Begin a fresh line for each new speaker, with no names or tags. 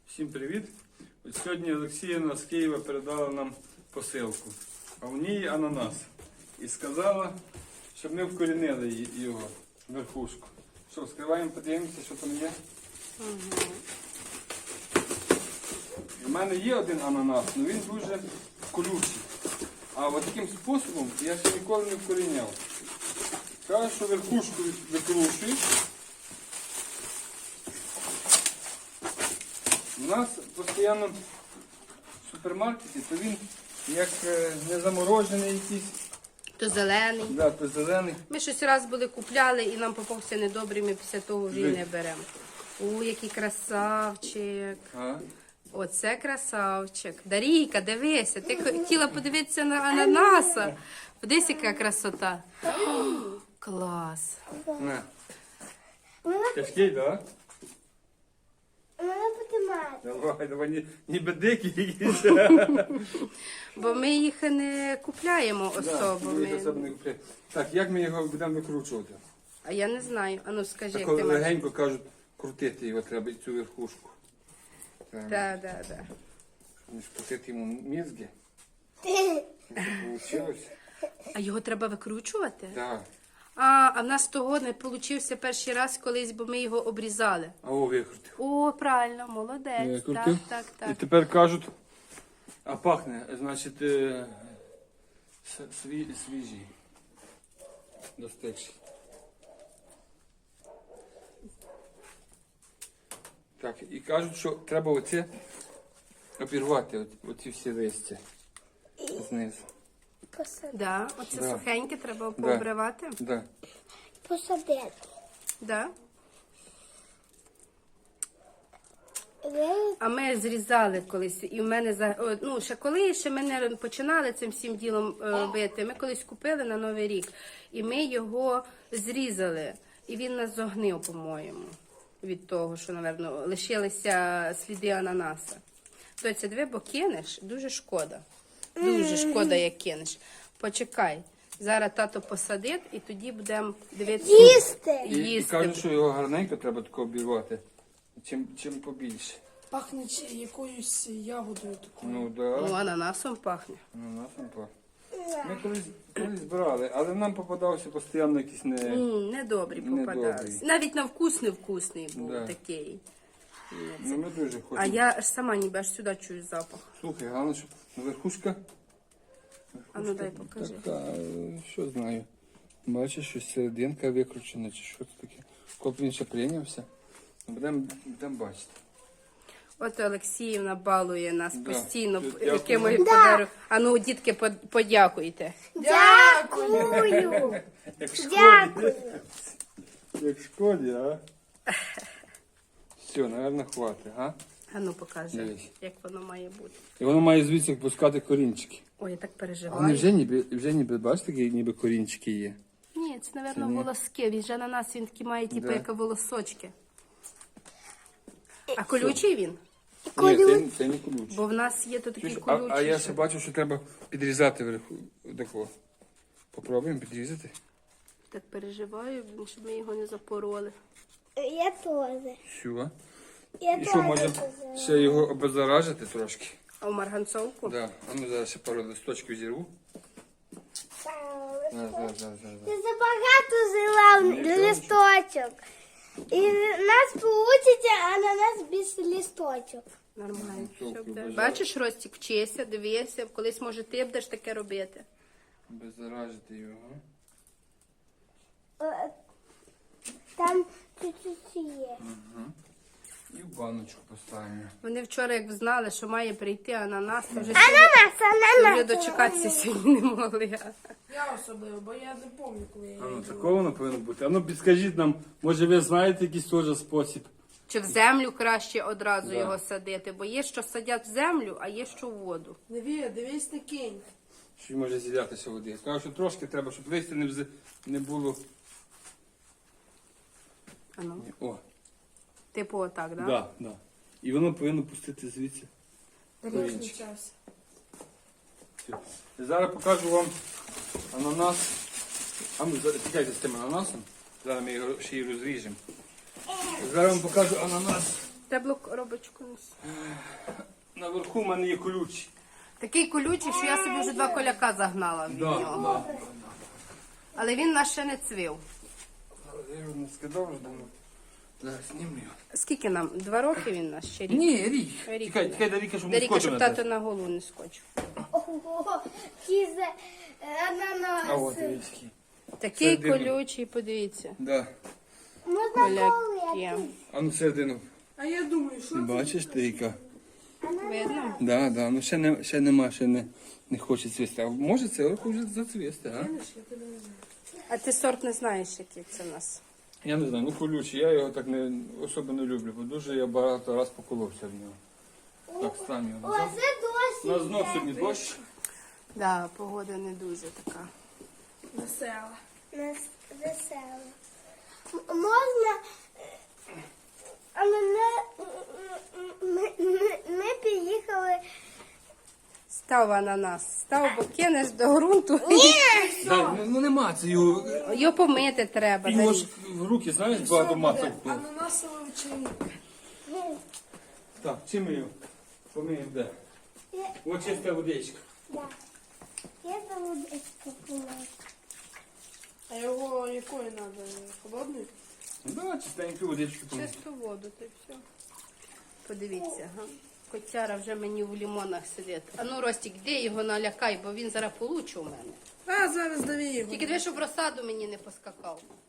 Всім привіт! От сьогодні Олексіївна з Києва передала нам посилку, а в ній ананас. І сказала, щоб ми вкорінили його, верхушку. Що, вскриваємо, подивимося, що там є? У мене є один ананас, але він дуже колючий. А от таким способом я ще ніколи не вкоріняв. Кажуть, що верхушку викрушують. У нас постійно в супермаркеті, то він як не заморожений якийсь.
То зелений.
Да, то зелений.
Ми щось раз були купляли і нам попався недобрий, ми після того вже й не беремо. О, який красавчик. Оце красавчик. Дарійка, дивися, ти хотіла подивитися на ананаса. Подивись, яка красота. О, клас.
На. Тяжкий, так?
Мене потримати.
Давай, ніби дикі якісь.
Бо ми їх не купляємо особо.
Так, як ми його будемо викручувати?
А я не знаю. Ану, скажи,
Так,
як ти маєш.
легенько кажуть, крутити його треба, цю верхушку.
Так.
Не скрутити йому мізки. Получилось?
А його треба викручувати?
Так.
А в нас того не получився перший раз колись, бо ми його обрізали.
А о, викрутив.
О, правильно, молодець.
Викрутив.
Так.
І тепер кажуть, а пахне, значить, свіжий. Достигший. Так, і кажуть, що треба оце обірвати, оці всі листя знизу.
Да, оце
Да.
сухеньке треба пообривати.
Да.
Посадити.
Да. А ми зрізали колись, і в мене ще коли ще ми не починали цим всім ділом бити. Ми колись купили на Новий рік, і ми його зрізали. І він нас зогнив, по-моєму, від того, що, напевно, лишилися сліди ананаса. Доця, диви, бо кинеш, дуже шкода. Дуже шкода, як кинеш. Почекай. Зараз тато посадить, і тоді будемо дивитися.
Їсти.
І кажуть, що його гарненько треба тако обірвати. Чим побільше.
Пахне якоюсь ягодою такою.
Ну, да.
Ну, ананасом пахне.
Ананасом пахне. Ми колись збирали, але нам попадався постійно якийсь
Недобрі попадались. Навіть на вкус невкусний був такий.
Ну, ми дуже хочемо.
А я аж сама ніби аж сюди чую запах.
Слухай, головне, щоб верхушка.
А ну дай покажи.
Така, що знаю. Бачиш, що серединка викручена, чи що це таке. Коли він ще прийнявся, будемо бачити.
От Олексіївна балує нас постійно
Дякую.
якимось подарунком. А ну, дітки, подякуйте.
Дякую.
Як в школі.
Дякую.
Як в школі, а? Все, напевно, хватить, а?
А ну, покажи,
Дивись.
як воно має бути.
І воно має звідси пускати корінчики.
Ой, я так
Вони
переживаю.
вже ніби, бачите, такі ніби корінчики є.
Ні, це, напевно, волоски. Він же на нас, він такий має, типу, як волосочки. А колючий він?
Ні, це не колючий.
Бо в нас є то такий
Чуєш,
колючий.
а я
що-
ще бачу, що треба підрізати вверху. Такого. Попробуємо підрізати.
Так переживаю, щоб ми його не запороли.
Я теж.
Все.
Я
І що, може
теж.
ще його обеззаражити трошки?
А в марганцовку?
Да. А ну зараз ще пару листочків зірву. Зараз.
Ти забагато взяла листочок. І в нас вийде ананас без листочок.
Нормально.
Марганцовку
Все буде.
бажаю.
Бачиш, Ростік, вчися, дивися. Колись, може, ти будеш таке робити.
Обеззаражити його.
Там чуть-чуть є.
І в баночку поставимо.
Вони вчора, як знали, що має прийти ананас, то вже
Ананас.
дочекатися сьогодні не могли.
Я особливо, бо я не пам'ятаю, коли я
А ну,
її
такого воно повинно бути. А ну підскажіть нам, може ви знаєте якийсь теж спосіб?
Чи в землю краще одразу
Да.
його садити? Бо є, що садять в землю, а є, що в воду.
Дивись, не кинь.
Що може зілятися води. Кажу, що трошки треба, щоб листя не було.
А ну,
О,
типу отак, да?
да. І воно повинно пустити звідси.
Дорожній час.
Все. Зараз покажу вам ананас. А ну, чекайте з тим ананасом. Зараз ми його ще й розріжемо. Зараз вам покажу ананас
Тебло коробочку неси.
Наверху в мене є ключ.
Такий колючий, що я собі вже 2 коляка загнала від нього. Але він нас ще не цвів.
Я його не скидав вже давно. Зараз знімлю його.
Скільки нам? 2 роки він нас ще рік?
Ні, рік.
Рік.
Тікай, до ріки, щоб не
Даріка,
скочив
щоб
на
тато
тебе.
на голову не скочив.
Ого, кізе
А от
ананаси.
річки.
Такий
Середину.
колючий, подивіться.
Да.
Можна
Коляки.
полити.
А ну середину.
А я думаю, що це?
Бачиш, Трійка?
Видно?
Да, да, ну ще нема, ще не хоче цвісти. А може це року вже зацвісти, а?
Я тебе не знаю.
А ти сорт не знаєш, який це в нас?
Я не знаю, ну колючий, я його так не особо не люблю, бо дуже я багато раз поколовся в нього. Так, стань його.
О, це
У
досі.
нас знов сьогодні дощ.
Да, погода не дуже така.
Весела.
Нас весело. Можна, але ми приїхали.
Став ананас. Став, бо кинеш до ґрунту.
Да, ну нема це його.
Його помити треба.
Його
Дарі.
ж в руки, знаєш, багато масок.
Ананасова вечеринка.
Так, чим ми його? Помиємо де? Ось чиста водичка.
Да. Я заводичку помила.
А його якої треба? Холодної?
Да, чистеньку водичку помиємо.
Чисту воду, то все. Подивіться, га. Котяра вже мені в лімонах сидить. А ну, Ростік, де його налякай, бо він зараз получить у мене.
А, зараз дави його.
Тільки диви, щоб в розсаду мені не поскакав.